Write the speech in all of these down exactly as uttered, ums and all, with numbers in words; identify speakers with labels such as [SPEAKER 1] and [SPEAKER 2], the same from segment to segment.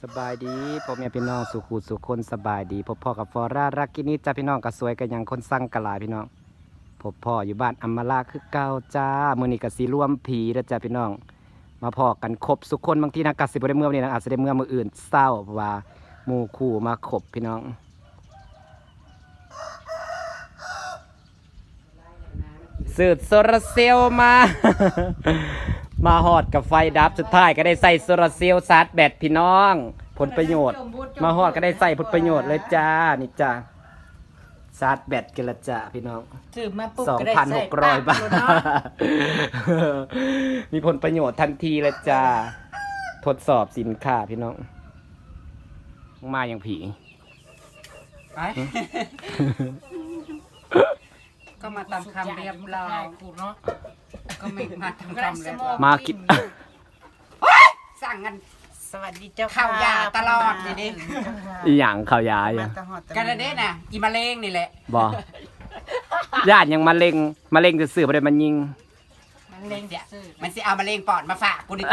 [SPEAKER 1] สบายดีพ่อแม่พี่น้องสุขุสุขคนสบายดีพบพ่อกับฟอร่ารักกินี่จ้าพี่น้องก็สวยกันยังคนสั่งกะลาพี่น้องพบพ่ออยู่บ้านอัมมาลาคือเก่าจ้ามื้อนี้ก็สิรวมผีเด้อจ้าพี่น้องมาพอกันครบสุขคนบางทีนะก็สิบ่ได้เมื่อวันนี้นะอาจสิได้เมื่อมื้ออื่นเศร้าเพราะว่าหมู่คู่มาครบพี่น้องสืบโซลาร์เซลล์มา มาฮอดกับไฟดับสุดท้ายก็ได้ใส่โซลาร์เซลล์ชาร์จแบตพี่น้องผลประโยชน์มาฮอดก็ได้ใส่ผลประโยชน์เลยจ้านี่จ้าชาร์จแบตกันละจ้าพี่น้อง
[SPEAKER 2] ถือมาปุ๊บ
[SPEAKER 1] สอง
[SPEAKER 2] ก็ได้
[SPEAKER 1] พันห
[SPEAKER 2] ใส่
[SPEAKER 1] กร้อยบาท
[SPEAKER 2] ปกเนาะ
[SPEAKER 1] มีผลประโยชน์ทันทีเลยจ้าทดสอบสินค้าพี่น้องมาอย่างผี
[SPEAKER 2] ไปก็มาตามคำเรียบร้อยก็ไม่มาตามคำเรียบร้อย
[SPEAKER 1] มากิน
[SPEAKER 2] สั่งกันสวัสดีเจ้า
[SPEAKER 3] ข้า
[SPEAKER 2] ข้าวย
[SPEAKER 3] า
[SPEAKER 2] ยาตลอดนี่ดิ
[SPEAKER 1] อีหยังข่าวยาอย่า
[SPEAKER 2] กันเลยเด้น่ะอีมะเร็งนี่แหละ
[SPEAKER 1] บญาติยังมะเร็งมะเร็งจะสื่อไปเลยมันยิง
[SPEAKER 2] มะเร็งเดี๋ยวมันสิเอามะเร็งปอดมาฝากกูดิ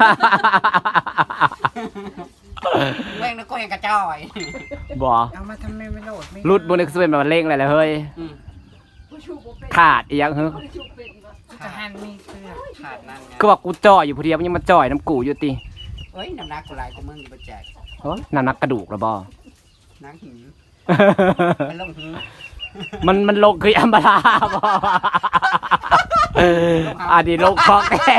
[SPEAKER 2] เร่งแล้วก็ยังกระจ้อย
[SPEAKER 1] บ่
[SPEAKER 3] เอามาทำไมไม่โหลดไม่
[SPEAKER 1] รุดบนนึกจะเป็นมะเร็งอะไรเลยเฮ้ย
[SPEAKER 2] อืม
[SPEAKER 1] ขาดอีหยังเฮ้ย
[SPEAKER 3] จะหันมีเสื้อ
[SPEAKER 2] ขาดนั่นไง
[SPEAKER 1] ก็บอกกูจ่อยอยู่พอดีมันยังมาจ่อยน้ำกูอยู่ติ
[SPEAKER 2] เอ้ยน้ำหนักกูหลายกูมึงอยู่บ่แจก
[SPEAKER 1] โอ้ยนั่นนักกระดูกแล้วบ่
[SPEAKER 2] นังหิวมันลงหิว
[SPEAKER 1] มันมันลงคืออัมบาลาบ่อันนี้ลงของแท้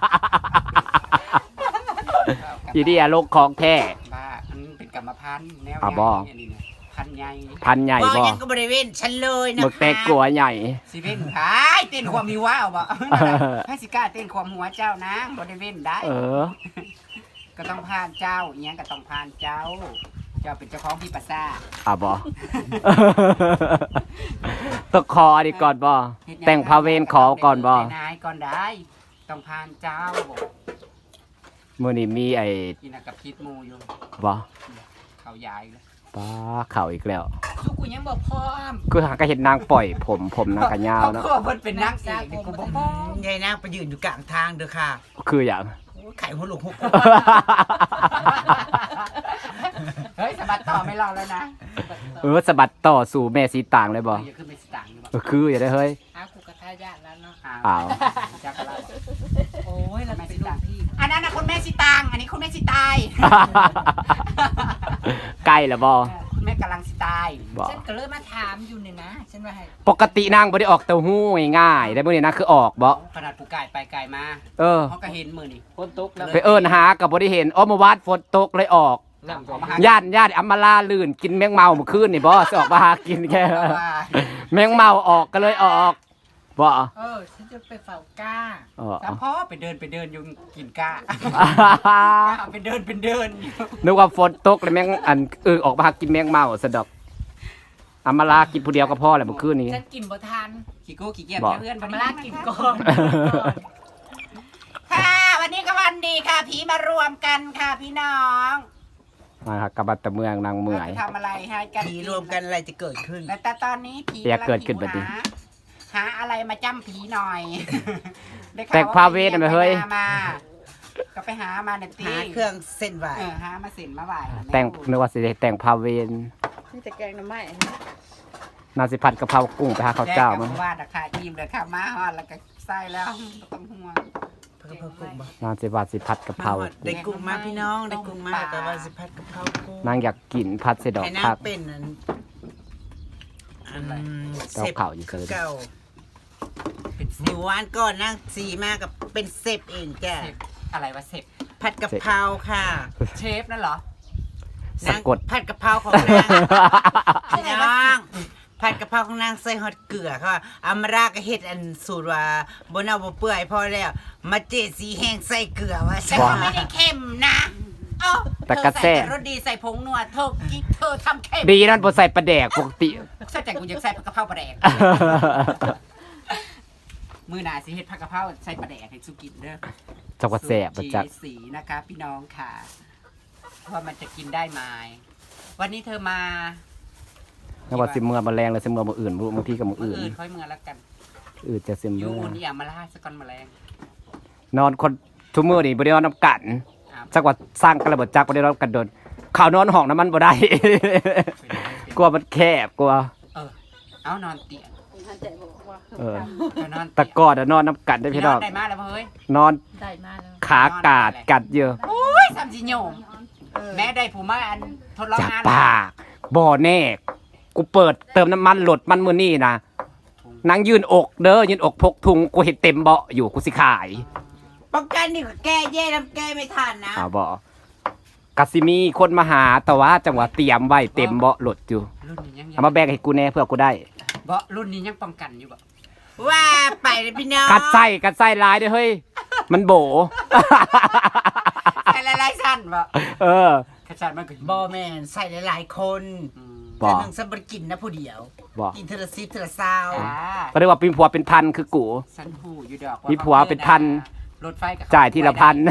[SPEAKER 1] อีนี่อะลงของแท้
[SPEAKER 2] บ้ามันเป็นกรรมพันธุ์แนว
[SPEAKER 1] อ่ะบ่
[SPEAKER 2] ใหญ่นี่นะพันธุ์ใหญ่
[SPEAKER 1] พันใหญ่
[SPEAKER 3] บ่
[SPEAKER 1] บ่
[SPEAKER 3] ยังก็บริเวณฉันเลยนะ
[SPEAKER 1] หมึกแตกกลัวใหญ่
[SPEAKER 2] สิเว้นขายเต้นความมีว้าวบ่ให้สิกล้าเต้นความหัวเจ้านะบ่ได้เว้นได้
[SPEAKER 1] เออ
[SPEAKER 2] ก็ต้องผ่านเจ้าอีหยังก็ต้องผ่านเจ้า เจ้าเป็นเจ้าของพี่ปัสสา
[SPEAKER 1] อ่ะบ่ ตกคอดีก่อนบ่แต่งพาเวนขอก่อนบ่
[SPEAKER 2] นายก่อนได้ต้องผ่านเจ้า
[SPEAKER 1] มื้อนี้มีไอ้
[SPEAKER 2] กินกับพิษหมูอยู่
[SPEAKER 1] บ่
[SPEAKER 2] เขาใหญ่เลย
[SPEAKER 1] ป้าเข่าอีกแล้ว
[SPEAKER 2] สุกูยังบ่พร้อม
[SPEAKER 1] คือหาก็เห็นนางปล่อยผมผมนางกะยาวเนาะ
[SPEAKER 2] เพราะว่าเพิ่นเป็นนางเอกนี่กูบ่พร้อม
[SPEAKER 3] ยายนางไปยืนอยู่กลางทางเด้อค่ะ
[SPEAKER 1] คืออย่าง
[SPEAKER 3] โอ้ยไข่หัวหลุกหุก
[SPEAKER 2] เฮ้ยสะบัดต่อไม่รอแล้วนะ
[SPEAKER 1] เออสะบัดต่อสู่แม่สีต่างเลยบ่
[SPEAKER 2] อย่าขึ้นไปสตางค์อยู่บ่
[SPEAKER 1] เออคืออย่าได้เฮ้ย
[SPEAKER 3] อ้าวกูกระทายาทแล้วเนาะ
[SPEAKER 1] อ้าว
[SPEAKER 2] จักรลาบ
[SPEAKER 3] โอ้ยเรา
[SPEAKER 2] แม่
[SPEAKER 3] เป็
[SPEAKER 2] สิ
[SPEAKER 3] นลู
[SPEAKER 2] ตาก ง
[SPEAKER 3] พี่
[SPEAKER 2] อันนั้นน่ะคุณแม่สิตังอันนี้คุณแม่สิตาย
[SPEAKER 1] ใกล้แล้วบ่
[SPEAKER 2] คุณแม่กำลังสิตาย
[SPEAKER 1] บ่
[SPEAKER 3] ฉันก็เลยมาถามอยู่นี่นะฉันว่าให้
[SPEAKER 1] ปกตินางบ่ได้ออกเต้าหู้ง่ายๆได้มื้อนี้นะคือออกบ่
[SPEAKER 2] ขนาดผู้ไก่ไปไก่มา
[SPEAKER 1] เออ
[SPEAKER 2] เขาก็เห็นมือนี่ฝนตกแล้ว
[SPEAKER 1] ไปเอิ้นหาก็บ่ได้เห็นอ๋อเมื่อวานฝนตกเลยออก
[SPEAKER 2] น้ำของมหา
[SPEAKER 1] ญาติญาติอัมมาลาลื่นกินแมงเมาเมื่อคืนนี่บ่สิออกมาหากินแค่
[SPEAKER 2] ว่า
[SPEAKER 1] แมงเมาออกก็เลยออกบ่
[SPEAKER 3] เออฉันจะไปเฝ้าก้า
[SPEAKER 1] อ๋อ
[SPEAKER 2] สามพ่อไปเดินไปเดินอยู่กินก้าไปเดินเป็นเดินอยู่
[SPEAKER 1] นึกว่าฝนตกเลยแมงอันเออออกมาหากินแมงเมาซะดอกอัมมาลากินผู้เดียวก็พอแหละเมื่อคืนนี้
[SPEAKER 3] ฉันกินบ่ทัน
[SPEAKER 2] ขี้โก้ขี้เกียจ
[SPEAKER 1] บอก
[SPEAKER 2] เพื่อน
[SPEAKER 3] ธร
[SPEAKER 2] วัน
[SPEAKER 3] รม
[SPEAKER 2] นี้
[SPEAKER 3] ราชกินก่อน
[SPEAKER 2] ค่ะวันนี้ก็วันดีค่ะ ผีมารวมกันค่ะพี่น้อง
[SPEAKER 1] มาครับกลับบัดตะเมืองนางเมื่อย
[SPEAKER 2] ราจะทำอะไรให้กัน
[SPEAKER 3] ผีรวมกันอะไรจะเกิดขึ้น
[SPEAKER 2] แต่แต่ตอนนี้ผี
[SPEAKER 1] เปียกเกิดขึ้นบัดนี้
[SPEAKER 2] หาหาอะไรมาจ้ำผีหน่อยได้ข่
[SPEAKER 1] แต่งพาเวทน่ะไหมเฮ้ย
[SPEAKER 2] ไปหามาก็ไปหามาเนี่ยตี
[SPEAKER 3] หาเครื่องเส้นไหว
[SPEAKER 2] เออหามาเสินมาไหว
[SPEAKER 1] แต่งนึกว่าสิได้แต่งพาเวน
[SPEAKER 3] นี่จะแกงน้ำไม้
[SPEAKER 1] นาสิผัดกะเพรากุ้งไปหาข้าวเจ้า
[SPEAKER 2] มั
[SPEAKER 1] มั้ง
[SPEAKER 2] ว่าราคาอิ่มเลยค่ะมาฮอดแล้วก็ใส่แล้วบ่ต้องห่วง
[SPEAKER 3] เพิ่มเพิ่มกุ้งบ่
[SPEAKER 1] นาสิว่าสิผัดกะเพรา
[SPEAKER 3] ได้กุ้งมาพี่น้องได้กุ้งมาแต่ว่าสิพัดกะเพรากุ้ง
[SPEAKER 1] นางอยากกินผัดใส่ดอก
[SPEAKER 3] ให้นา
[SPEAKER 1] ผั
[SPEAKER 3] ง
[SPEAKER 1] ก
[SPEAKER 3] เป็นอันอัน
[SPEAKER 1] เจ้าเข่าอยู่เกิน
[SPEAKER 3] เก่า
[SPEAKER 2] เป็น
[SPEAKER 3] หนูวานก่อนนั่งสีมากับเป็นเซฟเองจ้ะ
[SPEAKER 2] เสพอะไรวะเสพ
[SPEAKER 3] ผัดกะเพราค่ะ
[SPEAKER 2] เชฟนั่นเหรอ
[SPEAKER 1] สะ
[SPEAKER 3] นาง
[SPEAKER 1] กด
[SPEAKER 3] ผัดกะเพราของนางพี่น้องผัดกะเพราของนางใส่ฮอตเกลือค่ะอามาราก็เฮ็ดอันสูตรว่าบ่เน่าบ่เปื่อยพอแล้วมาเจสีแห้งใส่เกลือว่า
[SPEAKER 2] แต่ก็ไม่ได้เค็มนะเอ้า
[SPEAKER 1] แต่กระแซ่
[SPEAKER 2] เธอใส่รสดีใส่ผงนัวเธอกิ๊กเธอทำเค็ม
[SPEAKER 1] ดีนั่นบ่ใส่ปลาแดกปกติ
[SPEAKER 2] ใส่แต่กูอยากใส่ผักกะเพราปลาแดกมือหนาสิเฮ็ดผักกะเพราใส่ปลาแดกให้สุกินเด้อ
[SPEAKER 1] จักว่าแซ่บบ่จัก
[SPEAKER 2] สูตรสีนะคะพี่น้องค่ะว่ามันจะกินได้ไหมวันนี้เธอมา
[SPEAKER 1] นึกว่าสิเมื่อบ่แรงเลยสิเมื่อบ่อื่นบ่รู้บางทีก็มื้อ
[SPEAKER 2] มื้อ
[SPEAKER 1] อื่น
[SPEAKER 2] อื่นค่อยเมื่อแล้วกัน
[SPEAKER 1] อื่นจะสิ
[SPEAKER 2] อ
[SPEAKER 1] เมื่
[SPEAKER 2] ยู
[SPEAKER 1] อ
[SPEAKER 2] อุ่นอย่ามาล่าสกอนแมลง
[SPEAKER 1] นอนคนทุกมื้อนี่บ่ได้นอนนํกัน
[SPEAKER 2] อ้าว
[SPEAKER 1] จักว่าสร้างกันแล้วบ่จักบ่ได้นอนกันโดนข่าวนอนห้องน้ำมันบ่ได้ กลัวมันแคบกลัว
[SPEAKER 2] เออเอานอนเตียง
[SPEAKER 4] ท่านใจบอกว่า
[SPEAKER 1] เออ
[SPEAKER 2] เอานอน
[SPEAKER 1] ตะกอดอะนอนน้ำกัดได้พี่น้อง
[SPEAKER 2] ได้มาแล้วเฮ้ย
[SPEAKER 1] นอน
[SPEAKER 4] ได้มาแล้ว
[SPEAKER 1] ขากาดกัดเยอะ
[SPEAKER 2] โอ้ยสามสิโยมแม่ได้ผู้มาอันทดลอง
[SPEAKER 1] จับ
[SPEAKER 2] งาน
[SPEAKER 1] ปากบ่แน่กูเปิดเติมน้ำมันรถมันมื้อนี้นะนางยืนอกเด้อยืนอกพกถุงกูเห็นเต็มเบาะอยู่กูสิขาย
[SPEAKER 3] ป้องกันนี่ก็แก้แย่น้ำแก้ไม่ทันนะ
[SPEAKER 1] อ้าวบ่กะสิมีคนมาหาแต่ว่าจังหวะเตรียมไว้เต็มเบาะรถอยู่
[SPEAKER 2] รุ่นนี้ยัง
[SPEAKER 1] เอามาแบ่งให้กูแน่เพื่อกูได้
[SPEAKER 2] บ่รุ่นนี้ยังป้องกันอยู่บ่
[SPEAKER 3] ว่าไปเลยพี่น้อง
[SPEAKER 1] กัดไส้กัดไส้ลายเด้อเฮ้ยมันโบ
[SPEAKER 2] ใส่หลายๆสั้นบ่
[SPEAKER 1] เออ
[SPEAKER 2] ขจัดมันก็
[SPEAKER 3] บอแมนใส่หลายๆคน
[SPEAKER 2] อืม
[SPEAKER 1] บ่
[SPEAKER 3] แต่หนึ่งสมบกินนะผู้เดียว
[SPEAKER 1] บ่
[SPEAKER 3] กินเทอละซิเทอละซาว
[SPEAKER 2] อ่า
[SPEAKER 1] ก็เรียกว่าเป็นผัวเป็นพันคือกู
[SPEAKER 2] สันหูอยู่ดอก
[SPEAKER 1] มีผัวเป็นพัน
[SPEAKER 2] รถไฟกับ
[SPEAKER 1] จ่ายทีละพัน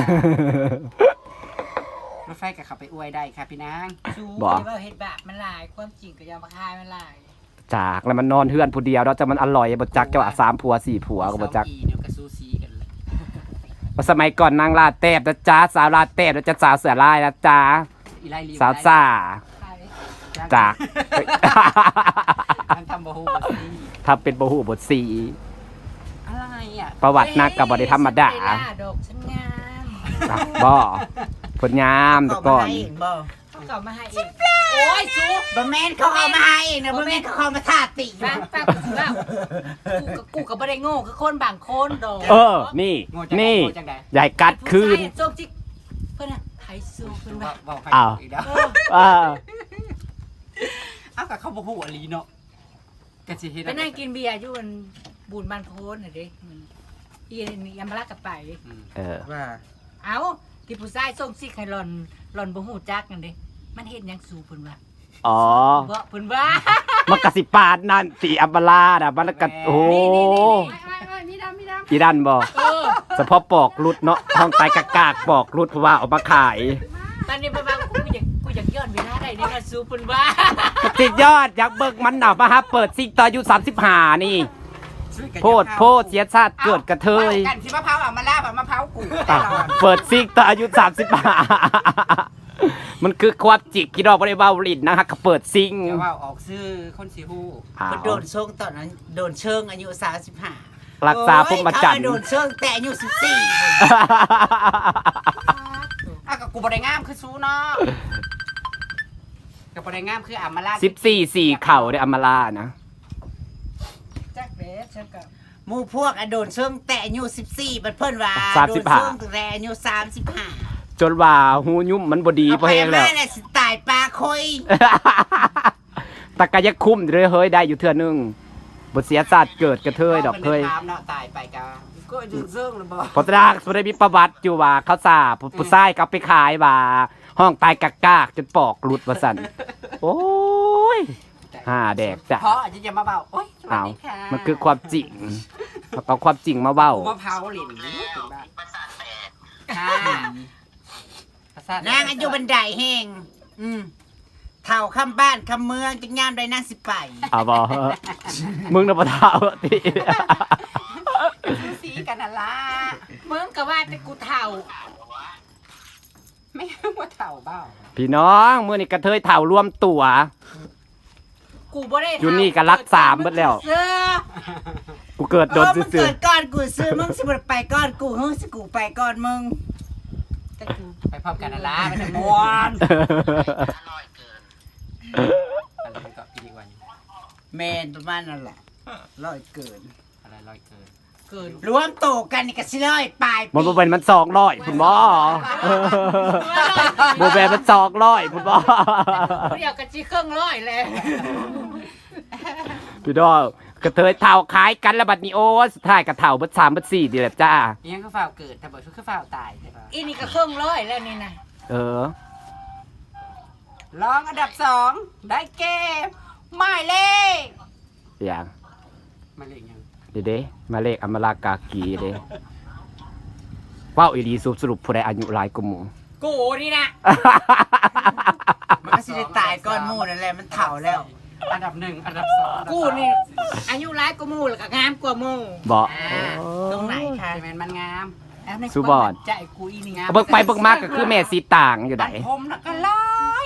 [SPEAKER 2] รถไฟกับเขาไปอวยได้ค่ะพี่นาง
[SPEAKER 3] ชู
[SPEAKER 1] บ่
[SPEAKER 3] ว่าเห็ดแบบมันหลายความจริงก็ยามาคายมันหลาย
[SPEAKER 1] จากแล้วมันนอนเฮือนผู้เดียวแล้วจะมันอร่อยบ่จักเจ้าว่าสามผัวสี่ผัวก็บ่จัก
[SPEAKER 2] เซาอีเดี๋ยวก็ซูซีกันเลย
[SPEAKER 1] ว่าสมัยก่อนนางลาแตบนะจ๊ะสาวลาแตบนะจ๊ะสาวเสือลายนะจ๊ะ
[SPEAKER 2] อีไล่ลี
[SPEAKER 1] สาวซ่าจาก
[SPEAKER 2] มันทำบ่ฮู้บ่ซี
[SPEAKER 1] ทำเป็นบ่ฮู้บทสี
[SPEAKER 2] อะไรอ่ะ
[SPEAKER 1] ประวัตินักกับบ่ได้ธรรมดา
[SPEAKER 3] ดอกฉันงาม
[SPEAKER 1] อ่ะบ่ผลงามแต่ก่อน
[SPEAKER 3] เขาเก่ามาให้เองโอ้ยซูบะแมนเขาเอามาให้เองนะบะแมนเขาเอามาทาติ
[SPEAKER 4] ฟังฟังกูว่ากูกับกูกับบ่ได้โง่คือคนบางคนดอก
[SPEAKER 1] เออ นี่
[SPEAKER 2] โง่จังใด
[SPEAKER 1] นี่
[SPEAKER 2] โง่จังใด
[SPEAKER 1] ใหญ่กัดคืน
[SPEAKER 4] ผู้ชายโจกจิกเพิ่นน่ะไทยซูเพิ่น
[SPEAKER 2] ว่า
[SPEAKER 4] ว่า
[SPEAKER 2] ว่าใคร
[SPEAKER 1] อ้าว
[SPEAKER 2] อีกแล้ว
[SPEAKER 1] อ่า
[SPEAKER 2] อ้าวกับเขาบ่ฮู้อลีเนาะก็สิเฮ็ด
[SPEAKER 4] ไปนั่งกินเบียร์อยู่บนบูนบ้านโพนน่ะเด้อีนี่ยามมาลากกับไป
[SPEAKER 2] อืม
[SPEAKER 1] เออ
[SPEAKER 3] ว่า
[SPEAKER 4] เอ้าที่ผู้ชายส่งซิกให้หล่อนหล่อนบ่ฮู้จักนั่นเด้มันเฮ็ดหยังสู่เพิ่นว่า
[SPEAKER 1] อ๋อ
[SPEAKER 4] บ่เพิ่นว่า
[SPEAKER 1] มันกะสิปาดนั่นสีอัมบาลาน่ะมันกะโอ้โห
[SPEAKER 4] มีดำมีดำ
[SPEAKER 1] อีดันบ่
[SPEAKER 4] เออ
[SPEAKER 1] เฉพาะปอกรุดเนาะห้องตายกากากปอกรุดเพราะว่าเอามาขาย
[SPEAKER 4] ตอนนี้บ่ว่ากูอยากกูอยากย้อนเวลาได้นี่มาสู่เพิ่นว่า
[SPEAKER 1] ติดยอดอยากเบิกมันหนามาฮะเปิดซิกตอนอายุสามสิบห้านี่
[SPEAKER 2] ช่วยกัน
[SPEAKER 1] โพดโพดเสียชาติเกิดกระเทย
[SPEAKER 2] อากันสิมะพร้าวเอามาลาบเอามะพร้าวกู
[SPEAKER 1] อ่ะเปิดซิกตอนอายุสามสิบห้ามันคือความจิกกี่ดอกบริวารลินนะฮะก็เปิดซิง
[SPEAKER 2] เดี๋ยวว่าออกซื้อคนสิฮู้
[SPEAKER 1] อ้าว
[SPEAKER 3] มันโดนเชิงตอนนั้นโดนเชิงอายุสามสิบห้า
[SPEAKER 1] รักษาพรหมจรรย์
[SPEAKER 3] โดนเชิงแต่อายุสิบสี่
[SPEAKER 2] อ้าวกับกูบ่ได้งามคือซูเนาะกับบ่ได้งามคืออามาลา
[SPEAKER 1] สิบสี่สี่เข่าได้อำมาลานะ
[SPEAKER 4] จักเด้ฉันก็
[SPEAKER 3] หมู่พวกอะโดนเชิงแต่อายุสิบสี่บัดเพิ่นว่า
[SPEAKER 1] สามสิบห้า
[SPEAKER 3] โดนเชิงแต่อายุสามสิบห้า
[SPEAKER 1] จนว่าหูยุ่มมันบดีเพราะแห้งแล้ว
[SPEAKER 3] เอาไปมาน่ะสิตายปลาคอย
[SPEAKER 1] ตะกะยักคุ้มเลยเฮ้ยได้อยู่เทื่อนึงบทเสียศาสตร์เกิดกระเทยดอกเคย
[SPEAKER 2] ถามเนาะตายไปกะก็จึงเซิงเลยบ่
[SPEAKER 1] พอตรากสุดได้มีประวัติอยู่ว่าเขาสาผู้ผู้ชายก็เอาไปขายว่าห้องตายกากากจนปอกหลุดว่าสั่นโอ้ยห่าแดกจ้ะ
[SPEAKER 2] เพราะอาจจะมาเบาโอ๊ยสวัส
[SPEAKER 1] อ้าว
[SPEAKER 2] ดีค่ะ
[SPEAKER 1] มันคือความจริงเอาความจริงมาเว้า
[SPEAKER 2] มะพร้าวหลินถึงบ้านค่ะประสาทแตก
[SPEAKER 3] นางอายุบันไดแห้งอืมเท่าคำบ้านคำเมืองจังยามได้นางสิไป
[SPEAKER 1] เอาบ่มึงน่ะบ่เท่าติ
[SPEAKER 2] ซูซีกันน่ะล่ะ
[SPEAKER 4] มึงก็ว่าแต่กูเฒ่า
[SPEAKER 2] ไม่ว่าเถ่าเบ้า
[SPEAKER 1] พี่น้องมื้อนี้กระเทยเท่ารวมตัว
[SPEAKER 4] กูบ่ได้เฒ่า
[SPEAKER 1] อยู่นี่ก็รักสามเบิดแล้ว
[SPEAKER 3] เสื้อ
[SPEAKER 1] กูเกิดโด
[SPEAKER 3] โด
[SPEAKER 1] น
[SPEAKER 3] น
[SPEAKER 1] ซื่
[SPEAKER 3] เกิ
[SPEAKER 1] อ
[SPEAKER 3] ดก่อนกูซื้อมึงสิบ่ไปก่อนกูเฮ้ยสิกูไปก่อนมึง
[SPEAKER 4] แต่กู
[SPEAKER 2] ไปพร้อมกันน่ะล่ะมันจะม่วน
[SPEAKER 1] ๆ
[SPEAKER 2] อะไรก็พี่ดีกว่าอยู่
[SPEAKER 3] แมนประมาณนั่นแหละร้อยเกิน
[SPEAKER 2] อะไรลอยเกิน
[SPEAKER 4] เกิน
[SPEAKER 3] รวมโตกันนี่ก็สิร้อยปลาย
[SPEAKER 1] มันบ่เป็นมันสองร้อยคุณบ่บ่แม่นมันสองร้อยคุณบ่
[SPEAKER 4] เดี๋ยวก็สิเครื่องร้อยแล้ว
[SPEAKER 1] พี่น้องกระเทยเท่าขายกันแล้วบัดนี้โอ้สุดท้ายก็เท่าเบิดสามเบิดสี่ดีแหละจ้า
[SPEAKER 2] อีหยังก็ฝ้าวเกิดแต่บ่คือฝ้าวตายใช่ปะ
[SPEAKER 4] อีนี่ก็เครื่องร้อยแล้วนี่นะ
[SPEAKER 1] เออ
[SPEAKER 2] รองอันดับสองได้เกมหมายเลข
[SPEAKER 1] อย่าง
[SPEAKER 2] หมายเลขยัง
[SPEAKER 1] เด้เด้มาเลขอมรากากีเด้ว้าวอีดีสรุปผู้ใดอายุหลายกว่าหมู่
[SPEAKER 4] กูนี่นะ
[SPEAKER 3] มันก็สิได้ตายก่อนหมู่นั่นแหละมันเฒ่าแล้ว
[SPEAKER 2] อันดับหนึ่งอันดับสองอันดับ
[SPEAKER 4] กู
[SPEAKER 2] สาม
[SPEAKER 4] นี่อายุร้ายกว่าหมู่แล้วก็งามกว่าหมู่
[SPEAKER 1] บ่
[SPEAKER 3] ตรงไหนคะ
[SPEAKER 2] ใช่ไหมมันงาม
[SPEAKER 4] แล้วใน
[SPEAKER 1] สุบอด
[SPEAKER 4] ใจกูอีนี่งาม
[SPEAKER 1] เบิกไปเบิกมาก็คือแม่สีต่างอยู่ไหน
[SPEAKER 2] ตัดผมแล้วก็ลาย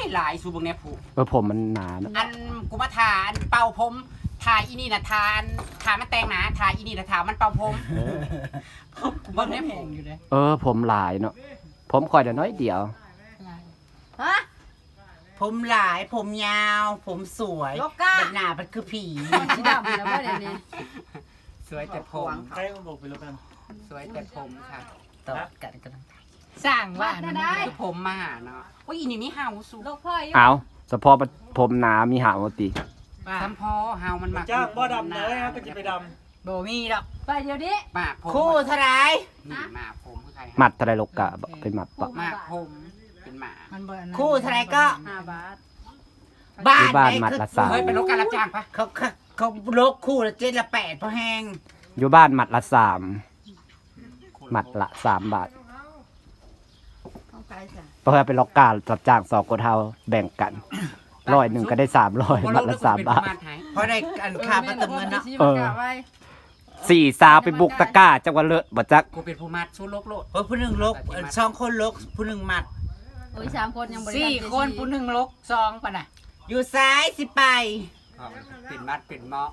[SPEAKER 2] หลายสูบงเนี่ยผูก
[SPEAKER 1] เออผมมันหนาเนอะ
[SPEAKER 2] อันกูมาทาอันเป่าผมทาอีนี่นะทาอันทามันแตงหนาทาอีนี่นะทามันเป่าผมกูบ่ได้ผูกอยู่เลย
[SPEAKER 1] เออผมหลายเนาะผมคอยแต่น้อยเดียว
[SPEAKER 4] ฮะ
[SPEAKER 3] ผมหลายผมยาว ผมสวย
[SPEAKER 4] โลก้า
[SPEAKER 3] บัดหน้ามันคือผี
[SPEAKER 4] สีดำแล้วบ่เดี๋ยวนี้
[SPEAKER 2] สวยแต่ผม
[SPEAKER 5] ใครมันบอกไปแล้วกัน
[SPEAKER 2] สวยแต่ผมค่ะ
[SPEAKER 3] ตอบกันกัน
[SPEAKER 4] สร้างว่า
[SPEAKER 2] นั่นคือผมมาหาเนาะโอ้ยอีนี่มีเห่าสู
[SPEAKER 4] โลกพ่อย
[SPEAKER 1] เอาเฉพาะผมหนามีหาวติ
[SPEAKER 2] ซ้ำพอเห่ามันมัก
[SPEAKER 5] จ้างบ่ดำเลยฮะก็จะไปด
[SPEAKER 3] โบมีดอก
[SPEAKER 4] ไปเดี๋ยวนี้
[SPEAKER 2] หมากผม
[SPEAKER 3] คู่เท่าไหร
[SPEAKER 2] นี่หมากผมคือใคร
[SPEAKER 1] หมัดอะไรลกกะเป็นหมัดปะ
[SPEAKER 2] หมากผมเป็นหมา
[SPEAKER 4] มันบ่อันนั้น
[SPEAKER 3] คู่เท่าไหรก็
[SPEAKER 4] ห้าบาท
[SPEAKER 3] บ้า
[SPEAKER 1] ที่
[SPEAKER 3] น
[SPEAKER 1] บ้าน
[SPEAKER 3] ไหน
[SPEAKER 1] หมัด
[SPEAKER 3] คือ
[SPEAKER 1] ละสาม
[SPEAKER 2] เฮ้ยเป็นรถการรับจ้างปะ
[SPEAKER 3] เขาเขาเขาโลกคู่ละเจ็ดละแปดพอแห้ง
[SPEAKER 1] อยู่บ้านหมัดละสามหมัดละสามบาท
[SPEAKER 4] ต้องไปจ้ะ
[SPEAKER 1] เพื่อไปล็อกการจับจ้างสองคนเท่าแบ่งกันร้อยหนึ่งก็ได้สามร้อยหมัดละสามบาท
[SPEAKER 3] เพราะได้อันค่าประตูเงินเนาะ
[SPEAKER 1] เออ สี่สาวไปบุกตะกร้าจังหวัดเลิศบ่จัก
[SPEAKER 2] กูเป็นผู้มัดสู้โลกโลด
[SPEAKER 3] เพราะผู้หนึ่งลกเอ่อสองคนลกผู้หนึ่งหมัด
[SPEAKER 4] โอ้ยสามคนยังบ่ได้สี่คนผู้หนึ่งลกซองปะน่ะ
[SPEAKER 3] อยู่ซ้ายสิไป
[SPEAKER 2] เป็นมัดเป็นเมาะ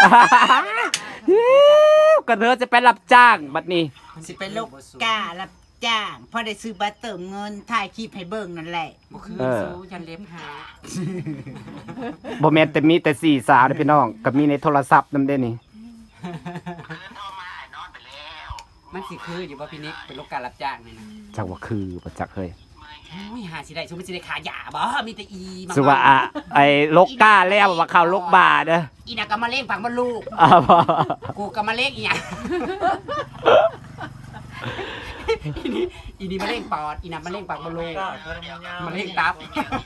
[SPEAKER 1] ก็เธอจะไปรับจ้างบัดนี้
[SPEAKER 3] สิไปลกการับจ้างพอได้ซื้อบัตรเติมเงินถ่ายคลิปให้เบิ่งนั่นแหละ
[SPEAKER 2] บ่คือ
[SPEAKER 1] เออ
[SPEAKER 2] สู้ยันเล็บหา
[SPEAKER 1] บ่แม่นแต่มีแต่สี่สาวเด้อพี่น้องก็มีในโทรศัพท์นำเด้นี่
[SPEAKER 2] มันสิคืออยู่ว่าพี่นิกเป็นรถการรับจ้างนี่นะ
[SPEAKER 1] จักว่าคือบ่จักเฮ้ย
[SPEAKER 2] อุ้ยหาสิได้สู้มันสิได้ขายยาบ่มีแต่อีมา
[SPEAKER 1] สุว่าอะไอ้ลกก้าแล้วว่าเข้าลกบาเด้อ
[SPEAKER 2] อีน่ะก็มาเล่งฝังบ่ลูก
[SPEAKER 1] อ้าวบ่
[SPEAKER 2] กูก็มาเล่งอีหยังอีนี่อีนี่มาเล่งปอดอีน่ะมาเล่งปากบ่ลูก
[SPEAKER 5] ำกล้าทำงาน
[SPEAKER 2] มาเล่งตับ
[SPEAKER 5] กล้า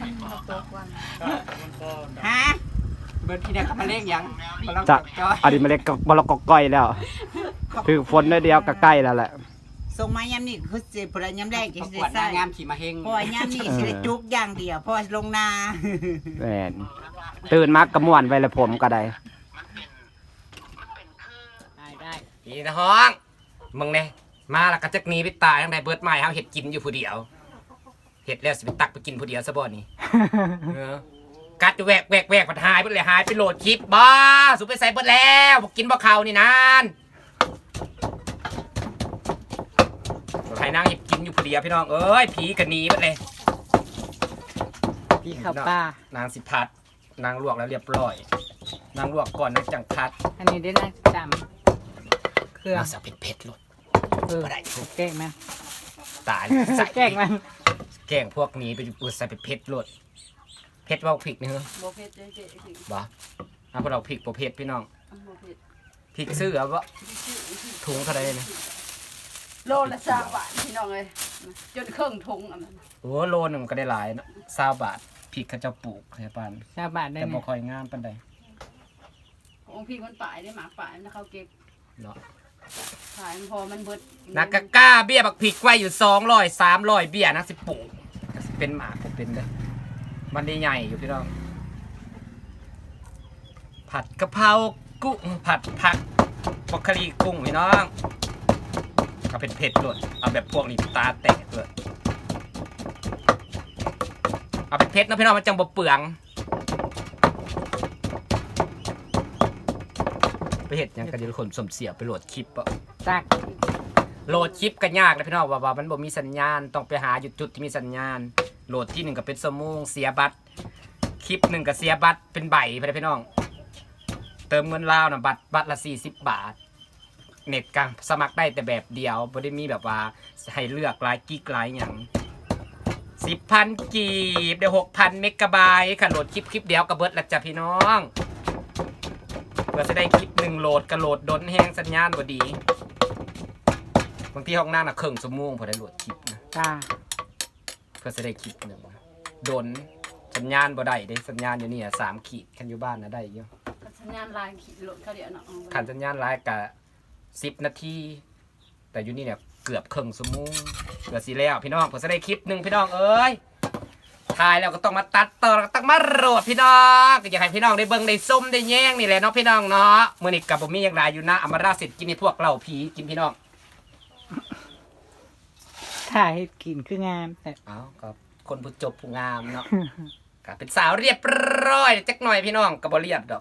[SPEAKER 5] มันก็
[SPEAKER 3] ฮะ
[SPEAKER 2] เบิดอีน่ะก็มาเล่งหยังบ่ลอง
[SPEAKER 1] จะ
[SPEAKER 2] จอย
[SPEAKER 1] อันนี้มันเล็กบ่ละกอกก้อยแล้วถือฝนน้อยเดียวก็ใกล้แล้วแหละ
[SPEAKER 3] ส่งมายามนี่คือสิพลยามแรก
[SPEAKER 2] ป
[SPEAKER 3] จะ
[SPEAKER 2] ระ
[SPEAKER 3] สิ
[SPEAKER 2] กวด
[SPEAKER 3] ได้
[SPEAKER 2] นาง
[SPEAKER 3] ใส่
[SPEAKER 2] งามขี่มาเฮง
[SPEAKER 3] เพราะว่ายามนี่สิได้จุกอย่างเดียวเพราะว่าลงนา
[SPEAKER 1] แม่นตื่นมากระม่วนไว้แล้วผมก็ได้
[SPEAKER 4] ได้ได้
[SPEAKER 6] อีนะฮ้องมึงเนี่ยมาแล้วก็จักหนีไปตายทั้งใดเบิดไม้เฮาเห็ดกินอยู่ผู้เดียวเห็ดแล้วสิไปตักไปกินผู้เดียวซะบ่นี่ เออกัดอยู่แวกแวกแวกมันหายไปเลยหายไปโหลดคลิปบ้าสุไปใส่เบิดแล้วบ่กินบ่เข้านี่นานให้นางเห็ดกินอยู่ผู้เดียวพี่น้องเอ้ยผีก็หนีเบิดเลย
[SPEAKER 3] พี่ข้าวป้าน
[SPEAKER 6] างสิพัดนางลวกแล้วเรียบร้อยนางลวกก่อนนางจังพัด
[SPEAKER 4] อันนี้ได้นะจำเครื่อง
[SPEAKER 6] นางสับเผ็ดๆโลด
[SPEAKER 4] เออ
[SPEAKER 6] บ่ได้
[SPEAKER 4] แกล้งมัน
[SPEAKER 6] ตายใส่
[SPEAKER 4] แกล้งมัน
[SPEAKER 6] แกล้งพวกนี้ไปอุดใส่ไปเผ็ดโลดเผ็ดว่าพริกนี่เหรอ
[SPEAKER 4] บ่เผ็ดเจ๊เจ๊
[SPEAKER 6] บ่เอาพวกเราพริกบ่เผ็ดพี่น้อง
[SPEAKER 4] บ่เผ็ด
[SPEAKER 6] พริกซื้อเอาบ่ถุงเท่าไหร่นะ
[SPEAKER 7] โลละสามบาทพี่น้องเลยจนเครื่องทงอันนั้น
[SPEAKER 6] โอ้โลนึงมันก็ได้หลายเนาะ20บาทพริกเขาเจ้าปลูกใช่ปาน
[SPEAKER 4] ชาวบ้านได้
[SPEAKER 6] แต่
[SPEAKER 4] ไหม
[SPEAKER 6] บ่ค่อยงามปานใด
[SPEAKER 7] องค์พี่มันป่ายได้หมากป่ายมันเขาเก็บ
[SPEAKER 6] เนาะ
[SPEAKER 7] ขายมันพอมันเบิด
[SPEAKER 6] นักกะกล้าเบี้ยบักพริกไว้อยู่200 300เบี้ยนักสิปลูกก็สิเป็นหมากบ่เป็นเด้อมันได้ใหญ่อยู่พี่น้อง ผัดกะเพรากุ้งผัดผักบรอกโคลีกุ้งพี่น้องเอาเผ็ดๆเลยเอาแบบพวกนี้ตาแตกเลยเอาเผ็ดๆนะพี่น้องมันจังบ่เปลืองไปเห็ดหยังกันเดี๋ยวคนสมเสียไปโหลดคลิปอะ
[SPEAKER 4] ตัก
[SPEAKER 6] โหลดคลิปกันยากนะพี่น้องว่าว่ามันบ่มีสัญญาณต้องไปหาอยู่จุดที่มีสัญญาณโหลดที่หนึ่งก็เป็นสมงเสียบัตรคลิปหนึ่งก็เสียบัตรเป็นใบไปเลยพี่น้อง เติมเงินลาวนะบัตรบัตรละสี่สิบบาท เน็ตกันสมัครได้แต่แบบเดียวไม่ได้มีแบบว่าให้เลือกหลายกิกหลายอย่างสิบพันกีบเดี๋ยวหกพันเมกะไบต์ค่ะโหลดคลิปคลิปเดียวกับเบิร์ดละจ้ะพี่น้องเพื่อจะได้คลิปหนึ่งโหลดกระโหลดดนแห้งสัญญาณบ่ดีบางทีห้องหน้าน่ะเครื่องสมงพอได้โหลดคลิปนะ
[SPEAKER 4] จ้า
[SPEAKER 6] เพื่อจะได้คลิปหนึ่งนะดนสัญญาณบ่ได้ได้สัญญาณอยู่นี่อะสามขีดคันอยู่บ้านนะได้เยอะ
[SPEAKER 7] สัญญาณลายขีดรถเขาเดี๋ยวเนาะ
[SPEAKER 6] ขันสัญญาณไลน์กะสิบนาที แต่อยู่นี่เนี่ยเกือบครึ่งชั่วโมงเกือบสิแล้วพี่น้องผมจะได้คลิปหนึ่งพี่น้องเอ้ยถ่ายแล้วก็ต้องมาตัดต่อแล้วก็ต้องมาโหลดพี่น้องก็อยากให้พี่น้องได้เบิ่งได้ส้มได้แย่งนี่แหละเนาะพี่น้องเนาะมื้อนี้กับผมมีอย่างไรอยู่นะอมราสิทธิ์กินให้พวกเราผีกินพี่น้อง
[SPEAKER 4] ถ่ายให้กินคืองามแต่
[SPEAKER 6] เอ้าก็คนผู้จบผู้งามเนาะ ก็เป็นสาวเรียบร้อยจักหน่อยพี่น้องก็บ่เรียบดอก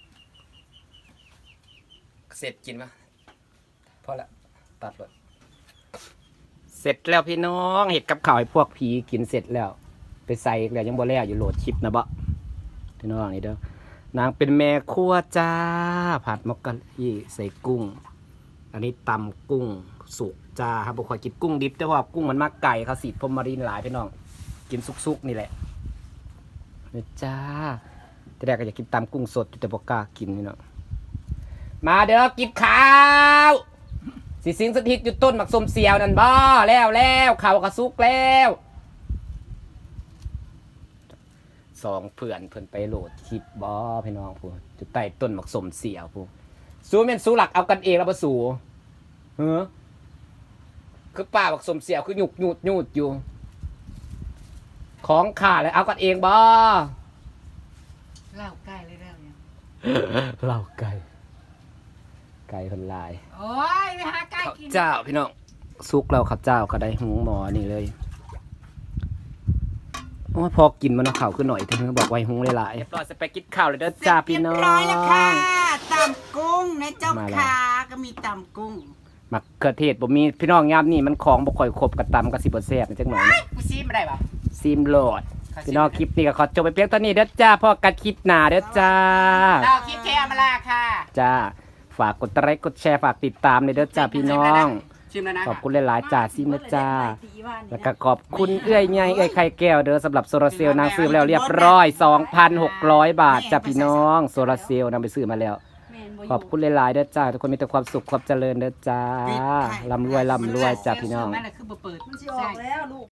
[SPEAKER 6] เสร็จกินปะพอละตัดเลยเสร็จแล้วพี่น้องเห็ดกับข้าวให้พวกผีกินเสร็จแล้ว ไปใส่อีกแล้วยังบ่แล้วอยู่โหลดคลิปนะบ่พี่น้องนี่เด้อนางเป็นแม่ครัวจ้าผัดมกกะลีใส่กุ้ง อันนี้ตำกุ้งสุกจ้าครับบุคอยกินกุ้งดิบแต่ว่ากุ้งมันมากไก่เขาสีพรมมารีนหลายพี่น้องกินซุกๆนี่แหละนี่จ้าแต่แรกก็อยากกินตำกุ้งสดแต่บอกกล้ากินนี่เนาะมาเด้อกินข้าวสิสิงสถิตอยู่ต้นหมักสมเสียวนั่นบ่แล้วแล้วข้าวก็สุกแล้วสองเพื่อนเพื่อนไปโหลดคลิปบ่พี่น้องพูจุดใต้ต้นหมักสมเสียวพูสู้เม่นสู้หลักเอากันเองแล้วบ่สู้เฮ้อคือป้าบักสมเสียวคือหยุกหยุดหยุดอยู่ของขาดเลยเอากันเองบ่
[SPEAKER 4] เล่าใกล้เลยเรื่องเนี่ย
[SPEAKER 1] เหล่าไก่ไก่คนลาย
[SPEAKER 4] โอ้ยไปหาใกล้
[SPEAKER 1] ข้าว
[SPEAKER 4] กิน
[SPEAKER 1] เจ้าพี่น้องซุกเราข้าวเจ้าก็ได้หุงหมอนี่เลยโอ้ยพอกินมันเอาข้าวขึ้นหน่อยเธอบอกไว้หุงหลายๆเรียบร้อยจะไปกินข้าวเลยเด้อจ้าพี่น้อง
[SPEAKER 3] เรียบร้อยแล้วค่ะตำกุ้งนะเจ้า
[SPEAKER 1] มาแล้ว
[SPEAKER 3] ค่ะก็มีตำกุ้ง
[SPEAKER 1] มักเขือเทศบ่มีพี่น้องยามนี่มันของบ่ค่อยครบกระตำกับสิบ่แซ่บจังหน่อยนะ
[SPEAKER 2] กูซีไม่ได้ปะ
[SPEAKER 1] ซิมโหลดพี่น้องคลิปนี้ก็ขอจบไปเพียงเท่านี้เด้อจ้าพ่อกันคลิปหน้าเด้อจ้า
[SPEAKER 2] เราคิดแค่อมาลาค่ะ
[SPEAKER 1] จ้าฝากกดไลค์กดแชร์ฝากติดตามเลยเด้อจ้าพี่น้อง
[SPEAKER 2] ชิมแล้วนะ
[SPEAKER 1] ขอบคุณหลายๆจ้าซิมนะจ้าแล้วก็ขอบคุณเอื้อยใหญ่เอื้อยไข่แก้วเด้อสำหรับโซลาร์เซลล์นางซื้อมาแล้วเรียบร้อย สองพันหกร้อย บาทจ้าพี่น้องโซลาร์เซลล์นางไปซื้อมาแล้ว ขอบคุณหลายๆเด้อจ้าทุกคนมีแต่ความสุขความเจริญเด้อจ้าร่ำรวยร่ำรวยจ้าพี่น้อง
[SPEAKER 4] นั่นแหละคือบ่เปิด
[SPEAKER 7] มันสิออกแล้วลูก